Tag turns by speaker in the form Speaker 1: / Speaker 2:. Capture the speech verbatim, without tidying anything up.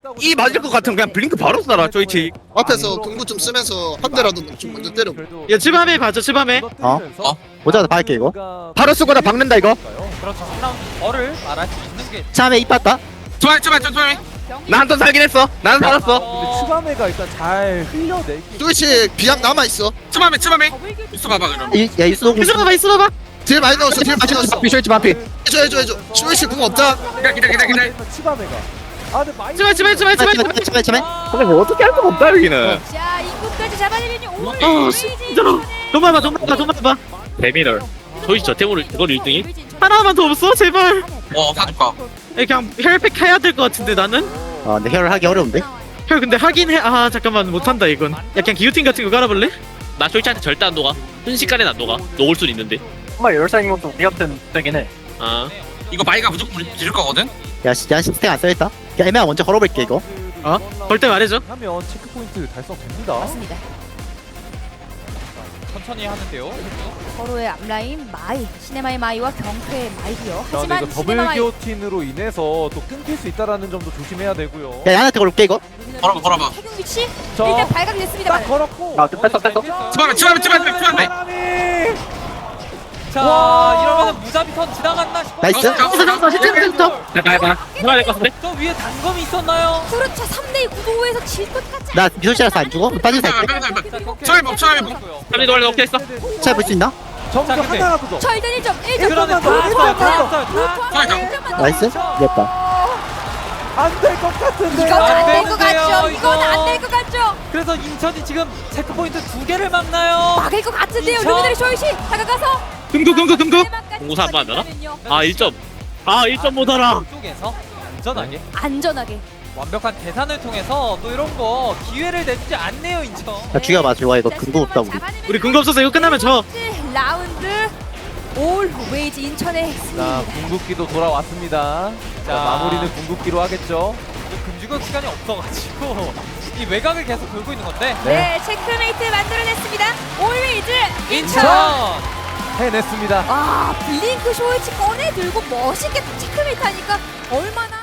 Speaker 1: 이 맞을 것 같으면 그냥 블링크 바로 쏴라 조이치.
Speaker 2: 앞에서 공구 좀 쓰면서 한 대라도 좀 먼저 때려.
Speaker 3: 야 츠밤에 봐줘 츠밤에.
Speaker 4: 어? 보자마자 박을게 이거.
Speaker 1: 바로 쏘거나 박는다 이거.
Speaker 5: 그렇죠. 삼 라운드 어를 말할 수 있는 게
Speaker 4: 참에 입 봤다.
Speaker 1: 좋아요 좋아요 좋아요. 나 한 턴 살긴 했어. 나는 살았어.
Speaker 5: 어,
Speaker 3: 추가메가 일단 잘 흘려내.
Speaker 2: 조이치 비약 남아 있어.
Speaker 1: 츠밤에 츠밤에. 있어 봐봐 그럼.
Speaker 4: 이, 야 이수동
Speaker 3: 있어 봐봐 있어 봐봐.
Speaker 2: 딜 많이 넣었어. 딜 많이 넣었어.
Speaker 1: 비쇼이치 반피.
Speaker 2: 해줘 해줘 해줘. 조이치 궁 없다.
Speaker 1: 기다 기다 기다 기다.
Speaker 3: 추가메가. 아 근데 많이. 츠밤 츠밤 츠밤 츠밤.
Speaker 4: 참에 참에 참에.
Speaker 1: 근데 뭐 어떻게 할 수가 없다 여기는.
Speaker 6: 자, 입구까지 잡아내면 오.
Speaker 3: 어 진짜로. 돈만 봐 돈만 봐 돈만 봐.
Speaker 1: 데미널. 조이치 저 템으로 이걸 일 등이?
Speaker 3: 하나만 더 없어 제발.
Speaker 1: 어 사줄까.
Speaker 3: 그냥 혈팩 해야 될 것 같은데 나는.
Speaker 4: 아 근데 혈을 하기 어려운데.
Speaker 3: 혈 근데 하긴 해. 아 잠깐만 못한다 이건. 야 그냥 기우틴 같은 거 깔아볼래?
Speaker 7: 나 조이치한테 절대 안 녹아. 순식간에 안 녹아. 녹을 순 있는데.
Speaker 8: 정말 열살인 것도 우리 같은 되긴 해.
Speaker 7: 아.
Speaker 1: 이거 마이가 무조건 우리 지를 거거든.
Speaker 4: 야 진짜 스택 안 써있다. 야 애매한 먼저 걸어볼게 이거.
Speaker 3: 어? 걸 때 말해줘. 하면 체크 포인트 달성됩니다.
Speaker 6: 맞습니다.
Speaker 5: 천천히 하는데요.
Speaker 6: 서로의 앞라인 마이, 시네마의 마이와 경쾌의 마이디어.
Speaker 3: 자, 근데
Speaker 6: 하지만
Speaker 3: 이거
Speaker 6: 시네마
Speaker 3: 더블
Speaker 6: 마이
Speaker 3: 기어틴으로 인해서 또 끊길 수 있다라는 점도 조심해야 되고요.
Speaker 4: 야 야한테 걸을게 이거.
Speaker 1: 걸어봐 걸어봐.
Speaker 6: 태경 위치
Speaker 3: 저-
Speaker 6: 일단 발각이 됐습니다.
Speaker 3: 딱 걸었고.
Speaker 8: 아, 뺐어, 뺐어.
Speaker 1: 츠밤에 츠밤에 츠밤에 츠밤에.
Speaker 3: 사람이.
Speaker 5: 자
Speaker 3: 와.
Speaker 5: 이러면 무자비 턴 지나갔나 싶어.
Speaker 4: 나이스.
Speaker 3: 됐어 됐어 시즌부터.
Speaker 7: 해봐 해봐. 해봐야 될 것 같은데?
Speaker 5: 저 위에 단검이 있었나요?
Speaker 6: 그렇죠. 삼 대 구도에서 질 것 같지.
Speaker 4: 나 미소씨라서 안 죽어? 빠진 살게.
Speaker 1: 처음에 뭐, 처음에 뭐.
Speaker 7: 삼리 노래 넣게 했어.
Speaker 4: 잘 볼 수 있나?
Speaker 3: 점수
Speaker 5: 자, 근데-
Speaker 3: 하나라도 더.
Speaker 6: 저 일단 일 점, 일 점.
Speaker 5: 그러네.
Speaker 3: 더,
Speaker 5: 다
Speaker 3: 일 점만 더.
Speaker 5: 했어요. 다 했어요.
Speaker 4: 나이스. 이겼다.
Speaker 3: 안 될 것 같은데.
Speaker 6: 이건
Speaker 5: 안
Speaker 6: 안 될 것
Speaker 5: 되는데요,
Speaker 6: 같죠. 이건
Speaker 5: 이거.
Speaker 6: 안 될 것 같죠.
Speaker 5: 그래서 인천이 지금 체크 포인트 두 개를 막나요.
Speaker 6: 막을 것 같은데요.
Speaker 5: 인천.
Speaker 6: 루미들의 쇼이시 다가가서
Speaker 3: 금고 금고 금고.
Speaker 7: 공사 한번 하나? 아 일 점. 아 일 점 못 알아.
Speaker 5: 쪽에서 안전하게
Speaker 6: 안전하게.
Speaker 5: 완벽한 계산을 통해서 또 이런 거 기회를 내주지 않네요 인천.
Speaker 4: 야 죽여봐 좋아 이거 근거 없다 우리.
Speaker 3: 우리 근거 없어서 이거 끝나면 져.
Speaker 6: 라운드 올 웨이즈 인천의
Speaker 3: 자
Speaker 6: 승리입니다.
Speaker 3: 궁극기도 돌아왔습니다. 자,
Speaker 5: 자.
Speaker 3: 마무리는 궁극기로 하겠죠.
Speaker 5: 금주격 시간이 없어가지고 이 외곽을 계속 돌고 있는 건데.
Speaker 6: 네, 체크메이트 만들어냈습니다. 올 웨이즈 인천.
Speaker 5: 인천.
Speaker 3: 해냈습니다.
Speaker 6: 아, 블링크 쇼이치 꺼내 들고 멋있게 체크메이트 하니까 얼마나